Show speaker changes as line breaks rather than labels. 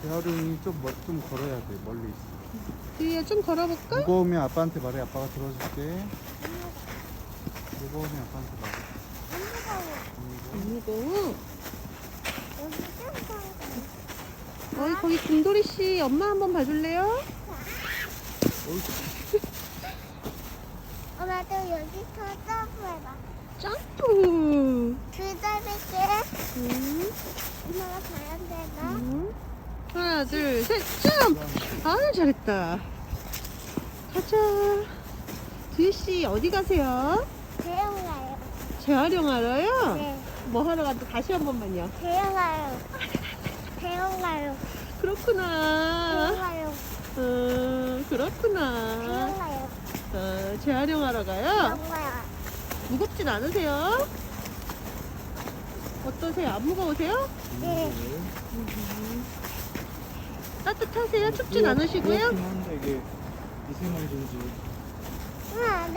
재활용이 좀 걸어야 돼. 멀리 있어.
뒤에 좀 걸어볼까?
무거우면 아빠한테 말해. 아빠가 들어줄게. 무거우면 아빠한테 말해.
안 무거워.
여기 좀
거기 금돌이 씨 엄마 한번 봐줄래요?
엄마도 여기서 점프해봐.
점프.
기다릴게.
응.
엄마가 잘안 되나?
응. 하나, 둘, 셋, 점프. 아유, 잘했다. 가자. 두희 씨 어디 가세요?
대형 가요.
재활용하러요?
네.
뭐 하러 가도 다시 한 번만요.
대형 가요. 대형 가요.
그렇구나.
대형 가요.
그렇구나.
대형 가요.
재활용하러 가요?
대형 가요.
무겁진 않으세요? 어떠세요? 안 무거우세요?
네.
따뜻하세요? 춥진 않으시고요?
그렇긴 한데 이게 미세먼지인지.
응.